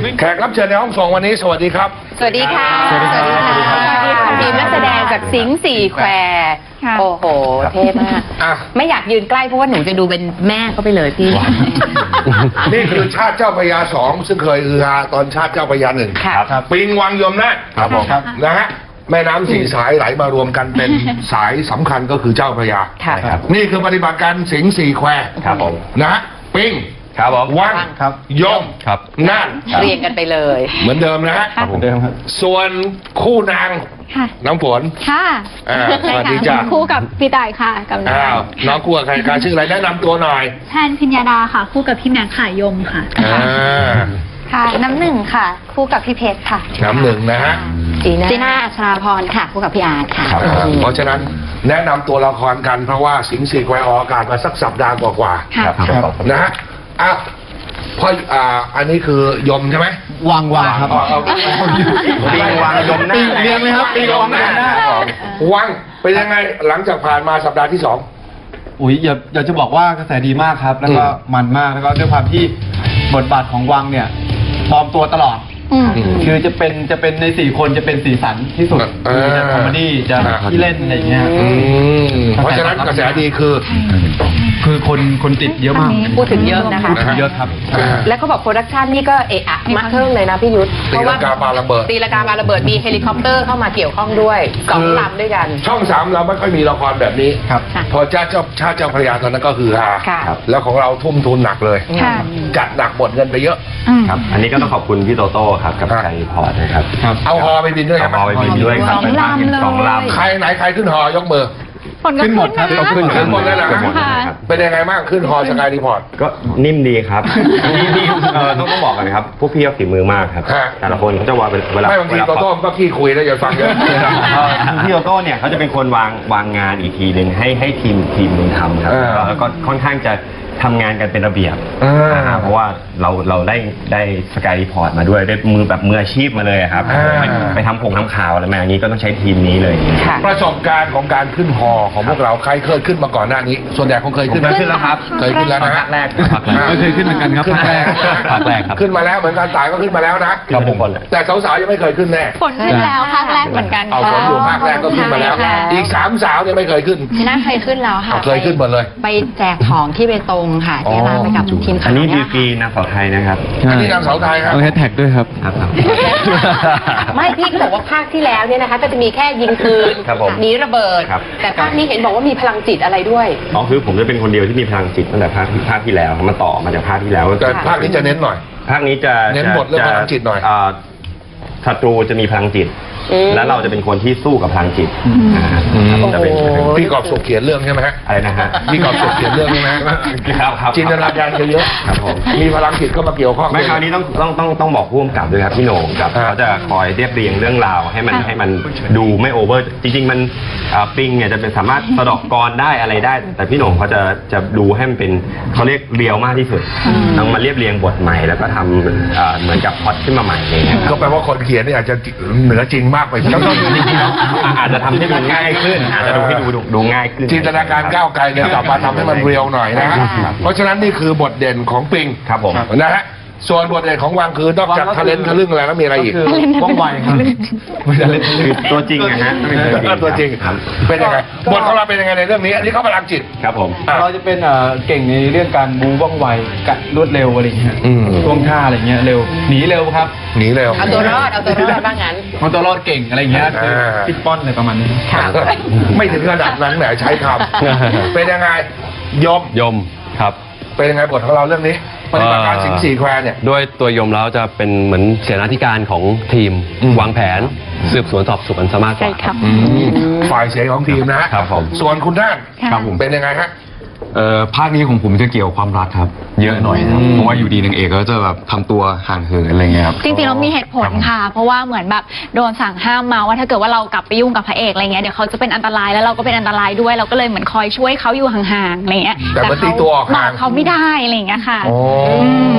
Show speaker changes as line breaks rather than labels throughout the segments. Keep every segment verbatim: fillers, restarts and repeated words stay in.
แขกรับเชิญในห้องส่งวันนี้สวัสดีครับ
สวัสดีค่ะสวัสดีค่ะทีมนักแสดงจากสิงห์สี่แควโอ้โหเท่มากไม่อยากยืนใกล้เพราะว่าหนูจะดูเป็นแม่เขาไปเลยพี่
นี่คือชาติเจ้าพระยาสองซึ่งเคยอือฮาตอนชาติเจ้าพระยาหนึ่งปิงวังยมนะครับผมนะฮะแม่น้ำสี่สายไหลมารวมกันเป็นสายสำคัญก็คือเจ้าพระยานี่คือปฏิบัติการสิงห์สี่แควครับผมนะฮะปิง
ครับผม
วัง
ครับ
ยม
ครับ
น่าน
เรียงกันไปเลย
เหมือนเดิมนะฮะ
เหมือนเดิมครับ
ส่วนคู่นางน้ำฝน
ค่ะ
สวัสดีจ้า
คู่กับพี่ต่ายค่ะกับน้อง
น้องคู่กับใครการชื่ออะไรแนะนำตัวหน่อย
แทนพิญญาดาค่ะคู่กับพี่แมงขายยมค่ะ
ค่ะน้ำหนึ่งค่ะคู่กับพี่เพชรค่ะ
น้ำหนึ่งนะฮะ
จีน่าอัชราพรค่ะคู่กับพี่อาร์ตค่ะ
เพราะฉะนั้นแนะนำตัวละครกันเพราะว่าสิงห์สี่แควออกอากาศมาสักสัปดาห์กว่าๆนะฮะอ่ะพออ่าอันนี้คือยมใช่ไหม
วังวังครับ
ปิงวังยมหน้า
เรียงเลยครับ
ปิงวังหน้าวังเป็นยังไงหลังจากผ่านมาสัปดาห์ที่สอง
อุ้ยอย่าอยากจะบอกว่ากระแสดีมากครับแล้วก็มันมากแล้วก็ด้วยความที่บทบาทของวังเนี่ยปลอมตัวตลอดคือจะเป็นจะเป็นในสี่คนจะเป็นสีสันที่สุดจะคอมเมดี้จะที่เล่นอะไรอย่างเงี้ย
เพราะฉะนั้นกระแสดีคือ
คือคนคนติดเยอะมาก
พูดถึงเยอะนะคะ
เยอะครับ
แล้วเขาบอกโปรดักชันนี่ก็เอะอะมาเทิงเลยนะพี่ยุทธ
ตีลังกาปาระเบิด
ตีลังกาปาระเบิดมีเฮลิคอปเตอร์เข้ามาเกี่ยวข้องด้วยสองลำด้วยกัน
ช่องสามเราไม่ค่อยมีละครแบบนี้
ครับ
พอชาติเจ้าชาติเจ้าพระยาตอนนั้นก็คือฮาแล้วของเราทุ่มทุนหนักเลยจัดหนักหมดเงินไปเยอะ
ครับอันนี้ก็ต้องขอบคุณพี่โตโต้ครับกับไกด์พอร์ตนะครับ
เอาฮอไปบินด้วยครับ
ฮอไปบินด้วยครับ
สองลำเลย
สองลำ
ใครไหนใครขึ้นฮอยกมือ
ขึ้นหมดครับ
ขึ้นขึ้นหมดแล้วนะเป็นยังไงบ้างขึ้นฮอสกายรีพอร์ต
ก็นิ่มดีครับต้องต้องบอกกันครับพวกพี่ฝีมือมากครับแต่ละคนเขาจะวางเวลา
ไม่บางทีโตโต้ก็ขี้คุยแล้วอย่าฟังเยอะ
พี่โตโต้เนี่ยเขาจะเป็นคนวางวางงานอีกทีหนึ่งให้ให้ทีมทีมนึงทำครับแล้วก็ค่อนข้างจะทำงานกันเป็นระเบียบเพราะว่าเราเราได้ได้สกายรีพอร์ตมาด้วยได้มือแบบมืออาชีพมาเลยครับไปทำผงทำข่าวอะไรมาอย่างนี้ก็ต้องใช้ทีมนี้เลย
ประสบการณ์ของการขึ้นฮอของพวกเราใครเคยขึ้นมาก่อนหน้านี้ส่วนใหญ่คงเคยขึ้นมา
ขึ้นแล้วครับ
เคยขึ้นแล้วนะ
ภาคแรก
ไม่เคยขึ้นเหมือนกันครับ
ภาคแรก
ภาคแรกครับ
ขึ้นมาแล้วเหมือนกันตายก็ขึ้นมาแล้วนะครับผมแต่สาวๆยังไม่เคยขึ้นแน่
ฝนขึ้นแล้วภาคแรกเหมือนกัน
เอาฝนอยู่ภาคแรกก็ขึ้นมาแล้วอีกสามสาวยังไม่เคยขึ้น
พี่น่าเคยขึ้นแล้วค่ะ
เคยขึ้นหมดเลย
ไปแจกของที่เบตงค่ะที่ร้านไปกับทีม
อันนี้ดีกรีนางสาวไทยนะครับ
อันนี้นางสาวไทยครับ
ต้องแฮชแท็กด้วยครับ
ไม่พี่ก็บอกว่าภาคที่แล้วเนี่ยนะคะก็จะมีแค่ยิงปืนหนีระเบิดแต่ภาคนี้เห็นบอกว่ามีพลังจิตอะไรด้วย
อ๋อคือผมจะเป็นคนเดียวที่มีพลังจิตตั้งแต่ภาคภาคที่แล้วมาต่อมาจากภาคที่แล้ว
แต่ภาคนี้จะเน้นหน่อย
ภาคนี้จะ
เน้นบทเรื่องพลังจิตหน่อย
ศัตรูจะมีพลังจิตแล้วเราจะเป็นคนที่สู้กับพลังจิต
จะเป็นพี่กอบสุขเขียนเรื่องใช่ไหมฮะ
อะไรนะฮะ
พี่กอบสุขเขียนเรื่องใช่ไหม
ครับ
จินตนาการเยอะ
ครับผม
มีพลังจิตก็มาเกี่ยวข้อง
ไม่คราวนี้ต้องต้องต้องต้องบอกผู้กำกับด้วยครับพี่โหน่งกับเขาจะคอยเรียบเรียงเรื่องราวให้มันให้มันดูไม่โอเวอร์จริงๆมันปิงเนี่ยจะเป็นสามารถสะดอกกรได้อะไรได้แต่พี่โหน่งเขาจะจะดูให้มันเป็นเขาเรียกเรียวมากที่สุดต้องมาเรียบเรียงบทใหม่แล้วก็ทำเหมือนกับพล็อตขึ้นมาใหม่เลย
ก็แปลว่าคนเขียนนี่อาจจะเหนือจริงมากไป
อาจจะทำให้ดูง่ายขึ้นอาจจะดูให้ดูดูง่ายขึ้น
จินตนาการก้าวไกลเนี่ยกลับมาทำให้มันเรียวหน่อยนะฮะเพราะฉะนั้นนี่คือบทเด่นของปิง
ครับผม
นะฮะส่วนบทเด่นของวังคือนอกจากทะเลนทะลึ่งอะไรแล้วมีอะไรอีก
ว่องไวครับ
ตัวจริงนะฮะ
ตัวจริงเป็นยังไงบทของเราเป็นยังไงในเรื่องนี้อันนี้เขาพลังจิต
ครับผม
เราจะเป็นเก่งในเรื่องการบูว่องไวกัดรวดเร็วอะไรอย่างเงี้ยท่วงท่าอะไรเงี้ยเร็วหนีเร็วครับ
หนีเร็ว
เอาตัวรอดเอาตัวรอดบ้างงั้น
เอาตัวรอดเก่งอะไรเงี้ยคือปิดป้อนอะไรประมาณนี้
ไม่ถึงระดับนั้นแหมใช้คำเป็นยังไงยม
ยมครับ
เป็นยังไงบทของเราเรื่องนี้ปฏิบัติการสิงห์สี่แควเนี่ย
ด้วยตัวยมแล้วจะเป็นเหมือนเสนาธิการของทีมวางแผนสืบสวนสอบสวนสามารถ
ฝ่ายเสียของทีมนะครับผมส่วนคุณด้านเป็นยังไงฮะ
เอ่อภาคนี้ของผมจะเกี่ยวความรักครับเยอะหน่อยครับเพราะว่าอยู่ดีนางเอกก็จะแบบทำตัวห่างเหินอะไรเงี้ยครับ
จริงๆเรามีเหตุผลค่ะเพราะว่าเหมือนแบบโดนสั่งห้ามมาว่าถ้าเกิดว่าเรากลับไปยุ่งกับพระเอกอะไรเงี้ยเดี๋ยวเขาจะเป็นอันตรายแล้วเราก็เป็นอันตรายด้วยเราก็เลยเหมือนคอยช่วยเขาอยู่ห่างๆอะไรเงี้ย
แต่เขาตีตัวออกห่าง
เขาไม่ได้อะไรเงี้ยค่ะ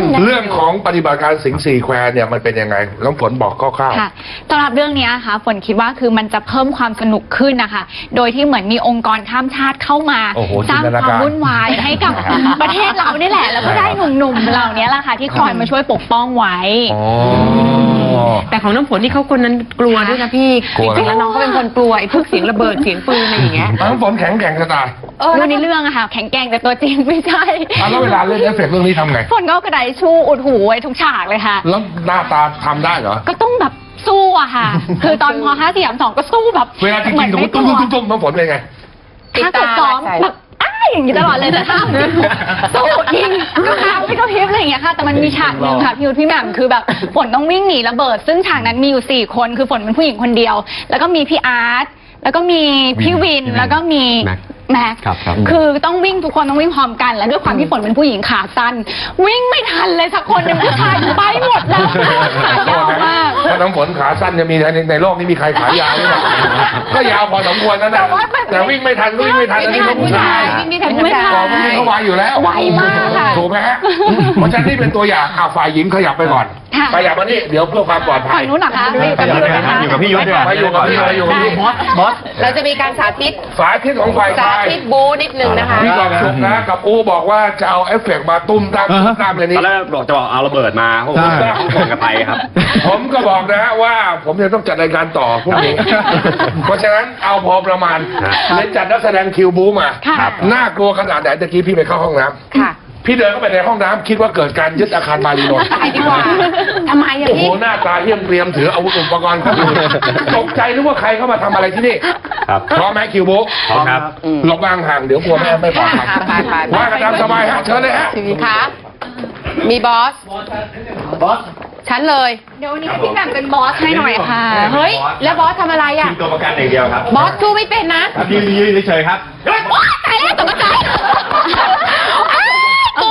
เรื่องของปฏิบัติการสิงห์สี่แควเนี่ยมันเป็นยังไงน้องฝนบอกคร่าว
ค่ะสำหรับเรื่องนี้ค่ะฝนคิดว่าคือมันจะเพิ่มความสนุกขึ้นนะคะ โดยที่เหมือนมีองค์กรข้ามชาติเข้ามา
โอ้โห
สร้าง
จินตนา
ค
การ
วามวุ่นวายให้กับประเทศเรานี่แหละ แล้วก็ได้หนุ่มๆเหล่านี้แหละค่ะที่คอยมาช่วยปกป้องไว้
ๆอ๋อ
แต่ของน้ำฝนที่เขาคนนั้นกลัวด้วยนะพี่
กลัว
จริงๆแล้วน้องเขาเป็นคนกลัวไอ้พวกเสียงระเบิดเสียงปืนอะไรอย่างเงี้ย
น้องฝนแข็งแกร่งจะตาย
เออในเรื่องอะค่ะ แข็งแกร่งแต่ตัวจริงไม่ใช่
อ่ะแล้วเวลาเล่นเอฟเฟกต์เรื่องนี้ทำไง
ฝนก็เอากระดาษทิชชู่อุดหูไว้ทุกฉากเลยค่ะ
แล้วหน้าตาทำได้เหรอ
ก็ต้องแบบสู้อะค่ะ คือตอนพอห้าสี่สามสองก็สู้แบบ
เวลาจริงๆสมมติตุ้มตุ้มตุ้มน้องฝนเป็นไง
ถ้าเกิดซ้อมแบบอ้าอย่างนี้ตลอดเลยแต่ถ้าสู้ยิงก็ค้างไม่กระพริบอะไรอย่างเงี้ยค่ะ แต่มันมีฉากหนึ่งค่ะพี่ยุทธพี่แหม่มคือแบบฝนต้องวิ่งหนีระเบิด ซึ่งฉากนั้นมีอยู่สี่คนคือฝนเป็นผู้หญิงคนเดียว แล้วก็มีพี่อาร์ตแล้วก็มีพี่วินแล้วก็มีแม็กซ์
ครับครับ
คือต้องวิ่งทุกคนต้องวิ่งพร้อมกัน และด้วยความที่ฝนเป็นผู้หญิงขาสั้นวิ่งไม่ทันเลยสักคนหนึ่งผู้ชายไปหมดแล้วขายาวมาก
เพราะน้ำฝนขาสั้นจะมีในในโลกนี้มีใครขายาวหรือเปล่าก็ยาวพอสมควรนะนะแต่วิ่งไม่ทันวิ่งไม่ทันอันนี้ลูกผู้ชาย
วิ่งไม่ทันผู้ชาย
ก่อนพวกนี้เขาไวอยู่แล้ว
ไวมากค่ะ
ถูกไหมฮะเพราะฉะนั้นนี่เป็นตัวอย่างอ่ะฝ่ายหญิงขยับไปก่อน
ค่ะ
ขยับมานี่เดี๋ยวเพื่อความปลอดภั
ฝั่
ย
งนู้นเหรอคะ
อยู่กับพี่ยุทธดีกว่า
ไปอยู่กับพี่ไปอยู่กับพี่
บอสบอส
เราจะมีการสาธิต
สายทิศของฝ่าย
สา
ชาย
ธิตบูนิดนึงนะคะ
พี่กองสุกนะกับอูบอกว่าจะเอาเอฟเฟกต์มาตุ้มตามตุ้มตามเลยนี้
ตอนแรกบอกจะบอกเอาระเบิดมาผมก็ส่งกันไปครับ
ผมก็บอกนะว่าผมจะต้องจัดรายการต่อพรุ่งนี้ เพราะฉะนั้นเอาพอประมาณ
ครับ
เลยจัดนักแสดงคิวบูมา
ค่ะ
น่ากลัวขนาดไหนตะกี้พี่ไปเข้าห้องน้ำ
ค่ะ
พี่เดินเข้าไปในห้องน้ำคิดว่าเกิดการยึดอาคารมารีนนท์
ตายดีกว่าทำไมอะ
โอ้โห
พี่
หน้าตาเหี้ยมเกรียมถืออาวุธอุปกรณ์เข้าไปตกใจนึกว่าใครเข้ามาทำอะไรที่นี่
ครับ
พร้อมไหมคิวบู
พร้อมครับ
หลบวางห่างเดี๋ยวกลัวแม่ไม่ปลอดภัย
ไปไปไป
ว่ากันตามสบายฮะเชิญเลยฮะ
ค่ะมีบอส
บอส
ฉันเลย
เดี๋ยววันนี้ให้พี่แหม่มเป็นบอสให้หน่อยค่ะ
เฮ้ย แล้วบอสทำอะไรอ่ะ
ตัวประกันอย่างเดียวครับ
บอสสู้ไม่เป็นนะ
ครับยืนยืนเฉยๆครับ
โอ๊ยตายแล้วตกใจอ้าวตัว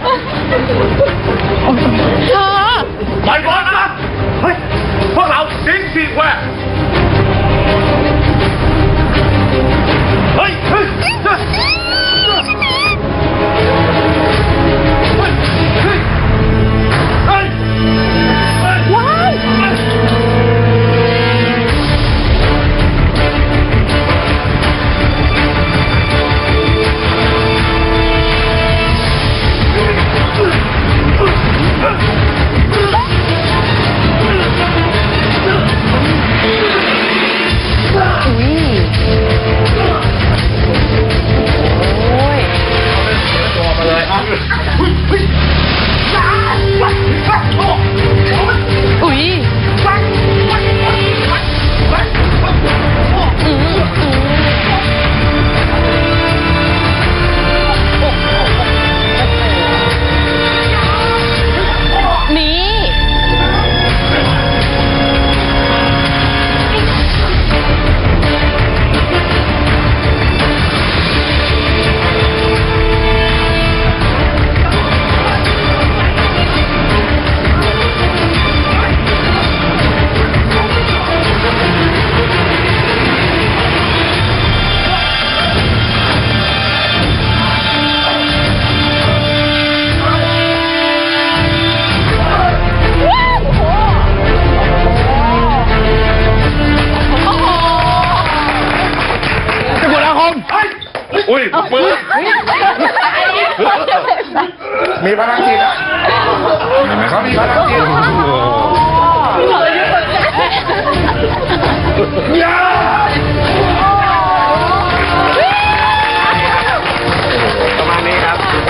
เธอ
ไปบอสนะเฮ้ยพวกเราสิงสี่แควเฮ้ยเฮ้ย
ว้าย
อุ้ยนี่
อุ้ยปืนมีพลังจิตนะเขามีพลังจิตยา
ประมาณนี้ครับ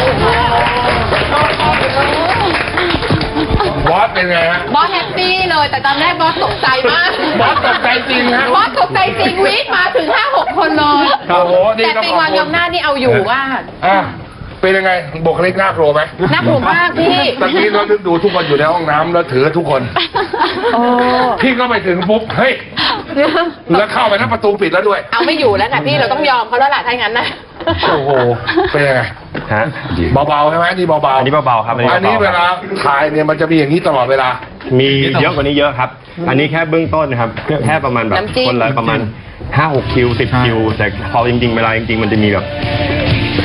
บอสเป็นไงฮะ
บอสแฮปปี้เลย แต่ตอนแรกบอสตกใจมาก
บอสตกใจจริงฮะ
บอสตกใจจริงวีดมาถึงห้าหกคนเลย
โอ้โหนี่
แต่
ต้อง
ปิ
ข
ง
อบ
วาง
คุ
ย
ณ
มหน้านี่เอาอยู่ว่า
อ่ะเป็นยังไงบุคลิกน่ากลัวไหม
น่ากลัวมากพี่
ตะกี้เรานึกดูทุกคนอยู่ในห้องน้ำแล้วถือทุกคน
โอ้
พี่ก็ไปถึงปุ๊บเฮ้ยแล้วเข้าไปแล้วประตูปิดแล้วด้วย
เอาไม่อยู่แล้วค่ะพี่เราต้องยอมเขาแล้วล่ะถ้าอย่างนั้นนะ
โอ้โหเป็นยังไง
ฮะ
เบาๆใช่ไหมอันนี่เบาๆ
อันนี้เบาๆครับอันนี้
อันนี้
เบาๆ
เวลาถ่ายเนี่ยมันจะมีอย่างนี้ตลอดเวลา
มีเยอะกว่านี้เยอะครับ อันนี้แค่เบื้องต้นนะครับ แค่ประมาณแบบ
น้ำจิ้ม
คนละประมาณห้าหกคิวสิบคิว แต่พอจริงๆเวลาจริงๆมันจะมีแบบ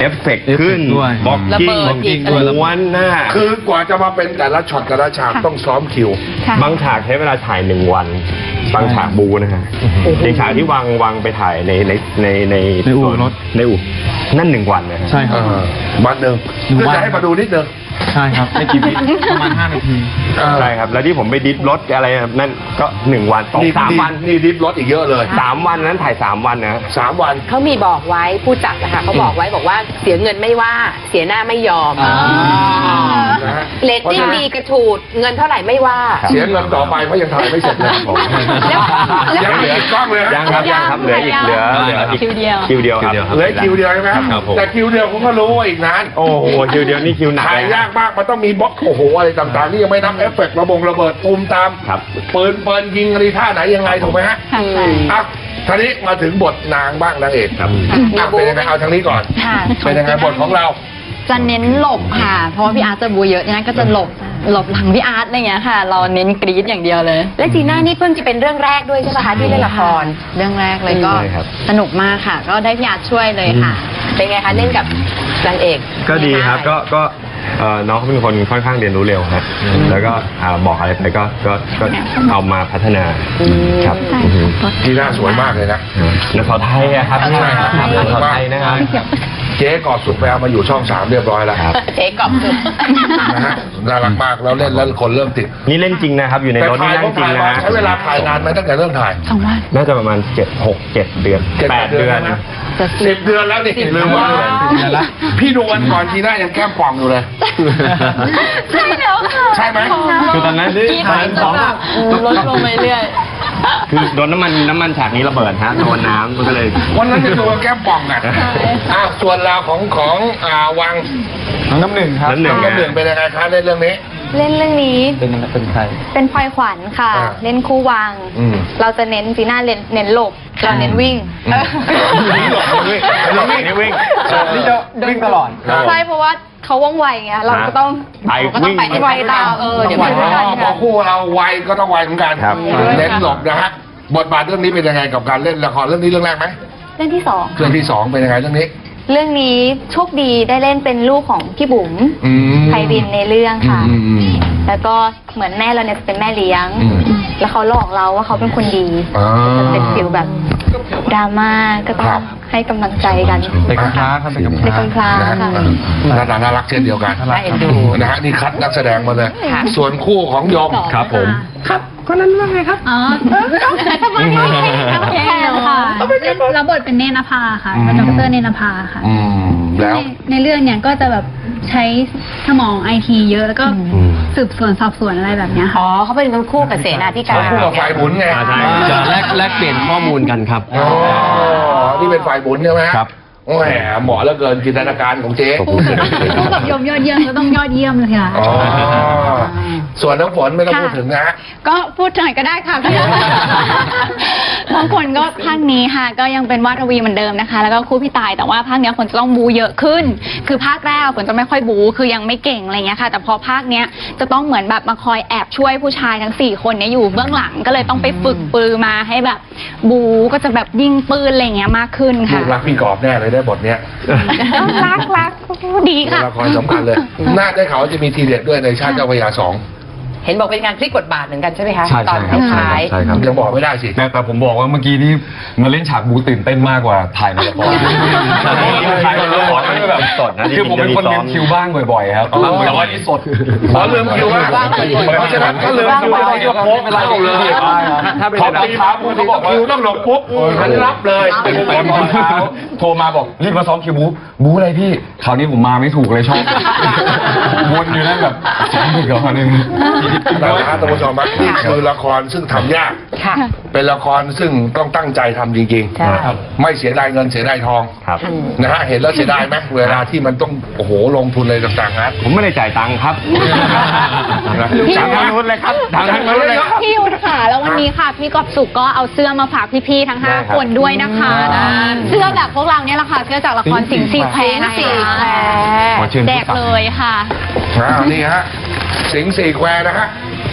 เอฟเฟกต์ขึ้น
ด้วย
บอก
ระ
กิ้
เบิ
ง
ดอีก
ม้วนหน้า
คือกว่าจะมาเป็นแต่ละช็อตแต่ละฉากต้องซ้อมคิว
ค่ะ
บางฉากใช้เวลาถ่ายหนึ่งวัน บางฉากบูนะฮะในฉากที่วางวางไปถ่ายในในในใน
ในอู่รถ
ในอู่นั่นหนึ่งวันนะฮะ
ใช่ครับ
บัตหนึ่ง
หนึ่ง
เพื่อ
วัน
จะให้มาดูนิดนึง
ใช่ครับไม่กี่วิประมาณห้านาที
ใช่ครับ แล้วที่ผมไปดิฟรถอะไรนั่นก็หนึ่งวันสอง
นี่
สามวัน
นี่ดิฟรถอีกเยอะเลย
สามวันนั้นถ่ายสามวันนะ
สามวัน
เขามีบอกไว้ผู้จัดนะคะเขาบอกไว้บอกว่าเสียเงินไม่ว่าเสียหน้าไม่ยอม
อ๋อ
นะฮะ
เรตติ้งดีกระฉูดเงินเท่าไหร่ไม่ว่า
เสียเงินต่อไปเพราะยังถ่ายไม่เสร็จเลย
แล้ว
ยังเหลือกล้องเลยฮะ
ยังครับยังครับเหลืออีกเหลือเหลืออีก
คิวเดียว
คิวเดียวครับ
เหลือคิวเดียวใช่ไหมครับ
ครับผม
แต่คิวเดียวผมก็รู้ว่าอีกนาน
โอ้โหคิวเดียวนี่คิวหนัก
ถ่าย
เลย
ยากมากมันต้องมีบล็อกโอ้โหอะไรต่างๆนี่ยังไม่นับเอฟเฟกต์ระบงระเบิดตูมตาม
ครับ
ปืนปืนยิงอะไรท่าไหนยังไงถูกไหมฮะ
ค่ะ
อ่ะทีนี้มาถึงบทนางบ้างนางเอก
ครับ
อ่ะเป็นยังไงเอาทางนี้ก่อน
ค่ะ
เป็นยังไงบทของเรา
จะเน้นหลบค่ะ เพราะว่าพี่อาร์ตจะบูเยอะเนี่ยก็จะหลบหลบหลังพี่อาร์ตอะไรเงี้ยค่ะ เราเน้นกรี๊ดอย่างเดียวเลย
และจีน่านี่เพิ่งจะเป็นเรื่องแรกด้วยใช่ไหมคะที่เล่นละคร
เรื่องแรกเลยก็
ใช่ครับ
สนุกมากค่ะ ก็ได้พี่อาร์ตช่วยเลยค่ะ
เป็นไงคะเล่นกับนางเอก
ก็ดีครับก็ก็เอ่อน้องเขาเป็นคนค่อนข้างเรียนรู้เร็วครับแล้วก็อ่าบอกอะไรไปก็ก็ก็เอามาพัฒนาครับอือฮึ
ทีน่าสวยมากเลยนะ
นักข่าวไทยอะครับ
ใช่ครับ
นักข่าวไทยนะครับ
เจ๊กอบสุดไปเอามาอยู่ช่องสามเรียบร้อยแล้ว
ครับ
เจ๊กอบสุด
นะฮะน่ารักมากแล้วเล่นแล้วคนเริ่มติด
นี่เล่นจริงนะครับอยู่ใน
แต่
รถ
ถ่า
นี่
ย
นั่
ก็
งจริง
ถ่าย
นะ
มาใช้เวลาถ่ายนานไหมตั้งแต่เริ่มถ่าย
สองวัน
น่าจะประมาณเจ็ดหกเจ็ดเดือน
เจ็ด
แปดเดือน
นะสิบเดือนแล้วนี่ลืมว่า
สิบเดือนละ
พี่ดูวันก่อนทีน่ายังแก้มป่องอยู่เลย
ใช่แล้วค่ะ
ใช่ไหม
คือตอนนั้น
ที่ถ่ายจะแบบลดลงไปเรื่อย
คือโดนน้ำมันน้ำมันฉากนี้ระเบิดฮะโดนน้ำมันก็เลย
วันนั้นจะดูว่าแก้มป่องอ่ะอ่ะส่วนราวของของอ่าวัง
น้องน้ำหนึ่งครับ
น้ำหนึ่
น้องน้ำหนึ่งเป็นยังไงคะในเรื่องนี้
เล่นเรื่องนี้
เป็นเป็นใคร
เป็นพลอยขวัญค่ะ
อ่า
เล่นคู่วัง
อืม
เราจะเน้นจีน่าเน้นเน้นหลบ เราเน้นวิ่ง
อืม
นี่หลบนี่วิ่งหลบนี่วิ่ง
นี่จะวิ่งตลอด
ใช่เพราะว่าเขาว่องไวไงเราก็ต้อง
ไป
ก็ต้องไปให้
ไว
ไว
ตา
ตาม มเออเดี๋ยว
พ
ไม่ทัน
อพอคู่เราไวก็ต้องไวเหมือนกัน
ครับ
เน้นหลบนะฮะบทบาทเรื่องนี้เป็นยังไงกับการเล่นละครเรื่องนี้เรื่องแรกไหม
เรื่องที่สอง
เรื่องที่สองเป็นยังไงเรื่องนี้
เรื่องนี้โชคดีได้เล่นเป็นลูกของพี่บุ๋ม
อืม
ไพรินในเรื่องค่ะ
อืมอืม
แล้วก็เหมือนแม่เราเนี่ยจะเป็นแม่เลี้ยง
อืม
แล้วเขาหลอกเราว่าเขาเป็นคนดี
อ่า
จะเป็นฟิลแบบดราม่าก็ต้อ
ครั
ง
บ
ให้กำลังใจกัน
เด็กกำพร้าครับเด็กกำพ
เด็ก
ร้า
กำพร้า
นะฮะ
ค่ะ
หน้าตาน่ารักเช่นเดียวกัน
น่าเอ็นดู
นะฮะนี่คัดนักแสดงมาเลย
ค่ะ
ส่วนคู่ของยม
ครับผม
อ๋อทำไมไม่ใช่แค่ค่ะรับบทเป็นเนนภาค่ะเป็นดรเนนภาค่ะ
อืมแล้ว
ในในเรื่องเนี่ยก็จะแบบใช้สมองไอทีเยอะแล้วก็สืบสวนสอบสวนอะไรแบบเนี้ยค่ะ
อ๋อเขาเป็นคนคู่กับเสนาธิการ
คู่กับฝ่ายบุญไง
ใช่
จะแลกแลกเปลี่ยนข้อมูลกันครับ
อ๋อนี่เป็นฝ่ายบุญใช่ไหมฮะ
ครับ
โอ้แหมเหมาะเหลือเกินจินตนาการของเจ๊
คู่กับยมยอดเยี่ยมก็ต้องยอดเยี่ยมเลยค่ะ
อ๋อส่วนน้องฝนไม่ต้องพูดถึงนะฮะ
ก็พูดหน่อยก็ได้ค่ะพี่บางคนก็ภาคนี้ค่ะ ก็ยังเป็นวาดวีเหมือนเดิมนะคะ แล้วก็คู่พี่ตายแต่ว่าภาคเนี้ยฝนจะต้องบูเยอะขึ้น คือภาคแรกฝนจะไม่ค่อยบูคือยังไม่เก่งอะไรเงี้ยค่ะ แต่พอภาคเนี้ยจะต้องเหมือนแบบมาคอยแอบช่วยผู้ชายทั้งสี่คนเนี้ยอยู่เบื้องหลังก็เลยต้องไปฝึกปือมาให้แบบบูก็จะแบบยิงปืนอะไรเงี้ยมากขึ้น
ลู
ค่ะ
กรักพี่กอบแน่เลยได้บทเนี้ย
รักรักดี
เป็น
ค่ะ
ละครสำคัญเลย น่าได้ข่าวว่าจะมีทีเด็ดด้วยในชาติเจ้าพระยาสอง
เห็นบอกเป็นการพลิกบทบาทเหมือนกันใช่ไหมคะ
ใช่
ตอน
ใช่ครับ
ท้าย
ใช่ครับ
ยังบอกไม่ได้สิ
แต่แต่ผมบอกว่าเมื่อกี้นี่มาเล่นฉากบูตื่นเต้นมากกว่าถ่ายในละคร
ถ่ายในละครมันแบบสดนะ
คือผมเป็นคนลืมคิวบ้างบ่อยๆครับแต่ว่านี่สด
ขอลืมคิวว่าเพราะฉะนั้นก็ลืมคิวต้องยกโป๊กเข้าเลย
ถ้าเป็น
ขอตีเท้าคุณเขาบอกคิวต้องหลบปุ๊บฉันรับเลย
เป็นแฟนคนเช้าโทรมาบอกรีบมาซ้อมคิวบูบูอะไรพี่คราวนี้ผมมาไม่ถูกเลยชอบวนอยู่นั่นแบบซ้อมอีกเหรอคราวนึง
นะฮะท่านผู้ชมครับนี่คือละครซึ่งทำยาก
ค่ะ
เป็นละครซึ่งต้องตั้งใจทำจริง
ใช่
ๆ ไม่เสียดายเงินเสียดายทอง
ครับ
นะฮะเห็นแล้วเสียดายไหมเวลาที่มันต้องโอ้โหลงทุนอะไรต่างๆฮะ
ผมไม่ได้จ่ายตังค์ครับทางทางนู้นเลยครับทางทางนู้นเลยครับ
พี่ยุทธค่ะแล้ววันนี้ค่ะ พี่กอบสุขก็เอาเสื้อมาฝากพี่ๆทั้งห้า
ได้ครับ
คนด้วยนะคะนะเสื้อแบบพวกเราเนี่ยแหละค่ะเสื้อจากละครสิงห์สี่แควร์นะคะ
สี่แควร์
ขอเชิญ
แจ
ผู้
ก
จัด
เลยค่ะ
อ่านี่ฮะสิงห์สี่แควร์นะฮะ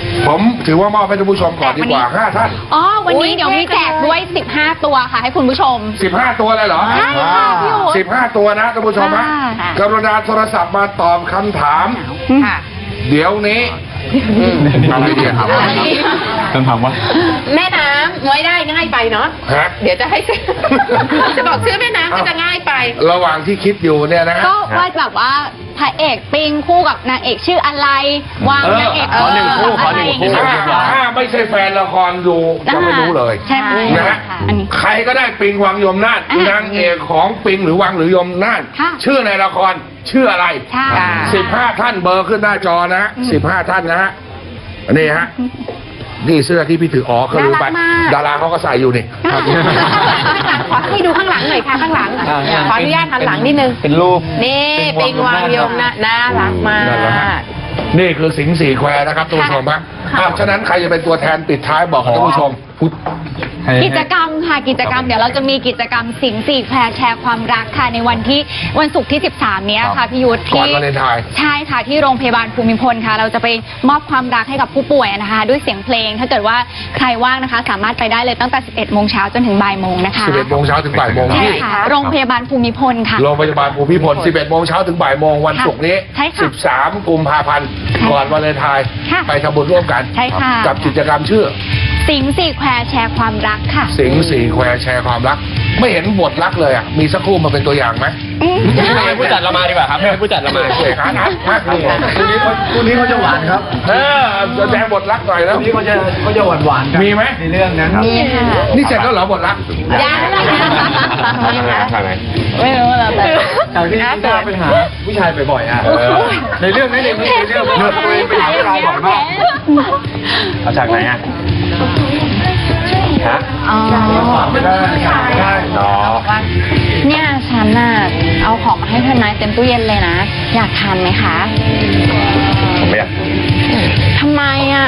ผมถือว่ามอบให้ท่านผู้ชมก่อนดีกว่าห้าท่าน
อ๋อ วัน
อุ๊
นี้
ย
เดี๋ยวมีแจกด้วย สิบห้า ตัวค่ะ ให้คุณผู้ชม
สิบห้าตัวเลยเหรอ
ใช่ค่ะพี่โอ๊ต
สิบห้าตัวนะท่านผู้ชมนะ
ค่ะ
กรุณาโทรศัพท์มาตอบคำถาม
ค่ะ
เดี๋ยวนี้อะไรเดียครับ
คำถามว่า
แม่น้ำไว้ได้ง่ายไปเนาะ
ฮะ
เดี๋ยวจะให้ จะบอกชื่อแม่น้ำก็จะง่ายไป
ระหว่างที่คิดอยู่เนี่ยนะ
ก็ว่าแบบว่าพระเอกปิงคู่กับนางเอกชื่ออะไร วางนางเอก
ขอหนึ่งคู่ขอหนึ่งคู่
ะไร
ถ้า
ย่างเงี้ย
ถ้าไม่ใช่แฟนละครดูจะไม่รู้เลย
ใช่ไหม
นะฮะ
อันนี้
ใครก็ได้ปิงวังยมนาถ
อ่ะ
นางเอกของปิงหรือวังหรือยมนาถ
ค่ะ
ชื่อในละครชื่ออะไร
ใช่
ค่ะ
สิบห้าท่านเบอร์ขึ้นหน้าจอนะฮะสิบห้าท่านนะฮะนี่ฮะนี่เสื้อที่พี่ถืออ๋อเขาลืมไป
น่ารักมาก
ดาราเขาก็ใส่อยู่นี่
ขอให้ดูข้างหลังหน่อยค่ะข้างหลัง
อ่า
ขออนุญาตหันหลังนิดนึง
เป็นรูป
นี่ปิงวางยมนะน่ารักมาก
น่ารักมาก นี่คือสิงห์สี่แควนะครับท่านผู้ชมฮะอ้าวฉะนั้นใครจะเป็นตัวแทนปิดท้ายบอกกับท่านผู้ชม
ให้
กิจกรรมค่ะกิจกรรมเดี๋ยวเราจะมีกิจกรรมสิงห์สี่แควร์แชร์ความรักค่ะในวันที่วันศุกร์ที่ สิบสาม เนี้ยค่ะพี่ยุทธ
ก่อน
ที่
วาเลนไทน์
ใช่ค่ะที่โรงพยาบาลภูมิพลค่ะ เราจะไปมอบความรักให้กับผู้ป่วยนะคะ ด้วยเสียงเพลง ถ้าเกิดว่าใครว่างนะคะ สามารถไปได้เลยตั้งแต่ สิบเอ็ดโมงเช้าจนถึงบ่ายโมงนะคะ
สิบเอ็ดโมงเช้าถึงบ่ายโมง
ใช่
ที่
ค่ะโรงพยาบาลภูมิพลค่ะ
โรงพยาบาลภูมิพลสิบเอ็ดโมงเช้าถึงบ่ายโมงวันศุกร์นี้
ใช่ค่ะ
สิบสามกุมภาพันธ์
ค่ะ
ก่อนวาเลนไทน์
ค่ะ
ไปทำบุญร่วมกัน
ใช่ค่ะ
กับกิจกรรมชื่อ
สิงห์สี่แควร์แชร์ความรักค่ะ
สิงห์สี่แควร์แชร์ความรัก ไม่เห็นบทรักเลยอ่ะมีสักครู่มาเป็นตัวอย่างไหม
ให้ผู้จัดเรามาดีกว่าครับให้ผู้จัดเรามา
เอกอาร์ตอาร์ตมากเลย
คู่นี้เขาคู่นี้เขาจะหวานครับ
เออแสดงบทรักหน่อยแล้ว
คู่นี้เขาจะเขาจะหวานหวานๆกัน
มีไหม
ในเรื่องนั้น
มีค่ะ
นี่เสร็จแล้วเหรอบทรัก
ยังเลย
ใช่ไหม
ไม่รู้แล้วแต่
จากที่พี่ตาไปหาผู้ชายบ่อยๆอ่ะในเรื่องนี้ในเรื่องในเรื่องเมื่อตัวเองไปหาผู้ชายบ่อยมาก
เอาจากไหนอ่ะฮะ
อ๋อ
ไม่ได้ไม่ได้
อ๋อ
เนี่ยฉันน่ะเอาของมาให้ทนายเต็มตู้เย็นเลยนะ อยากทานไหมคะ
ผมไม่อยาก
ทำไมอ่ะ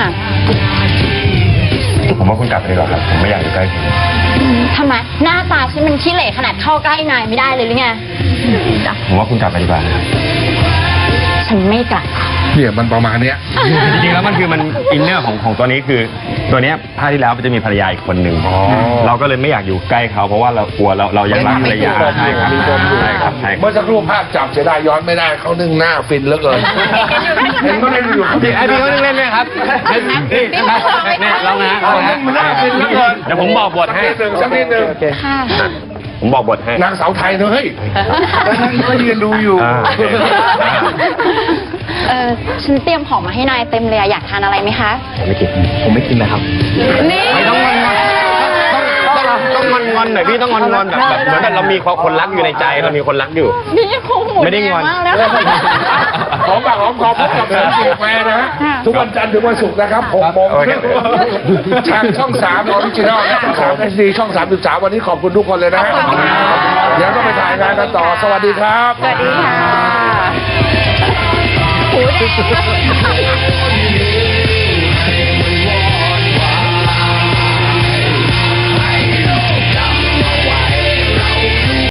ผมว่าคุณกลับไปดีกว่าครับ ผมไม่อยากอยู่ใกล้คุณ
อืมทำไมหน้าตาฉันมันขี้เหร่ขนาดเข้าใกล้นายไม่ได้เลยหรือไง
ผมว่าคุณกลับไปดีกว่านะครับ
ฉันไม่กลับ
เนี่ยมันประมาณเนี้ย
จริงๆแล้วมันคือมันอินเนอร์ของของตัวนี้คือ ตัวเนี้ยภาคที่แล้วมันจะมีภรรยาอีกคนหนึ่ง
อ๋อ
เราก็เลยไม่อยากอยู่ใกล้เขาเพราะว่าเรากลัวเราเรายังรักภรรยา
มีปม
ใช่
อยู่
ครับ
มีปมอยู่
ใช่ครับใช่ค
เมื่
รั
อบ สักครู่ภาพจับเสียดายย้อนไม่ได้เขานึ่งหน้าฟินเหลือเกินเห็นเขาเล่นอยู่เขา
ไอพี่เขาเล่นๆเลยครับนี่นี่ลองนะลองนะ
มันน่าฟินเหลือเกิน
เดี๋ยวผมบอกบทให้
สักนิดหนึ่งสักนิดหนึ่ง
ค่ะ
ผมบอกบทให้
นางสาวไทยเนอะเฮ้ยแล้วนั่นก็ยืนดูอยู่
อ่าโอเค
เออฉันเตรียมของมาให้นายเต็มเลยอะอยากทานอะไรไหมคะ
ผมไม่กิน
ผมไม่กินนะครับ
นี่
ไม่ต้องงอนต้องต้องต้องงอนงอนหน่อยพี่ต้องงอนงอนแบบแบบเหมือนแบบเรามีคนรักอยู่ในใจเรามีคนรักอยู่
นี่คงหมู
ไม่ได้งอน
แดมากแล้ว
หอมปากหอมคอพบกับผมสิงแฟนะฮะทุกวันจันทร์ถึงวันศุกร์นะครับหกโมงครึ่งทางช่องสามออริจินอลและช่องสามเอสดีช่องสามสิบสามวันนี้ขอบคุณทุกคนเลยนะฮะเดี๋ยวต้องไปถ่ายงานกันต่อสวัสดีครับ
สวัสดีค่ะ
หูแดง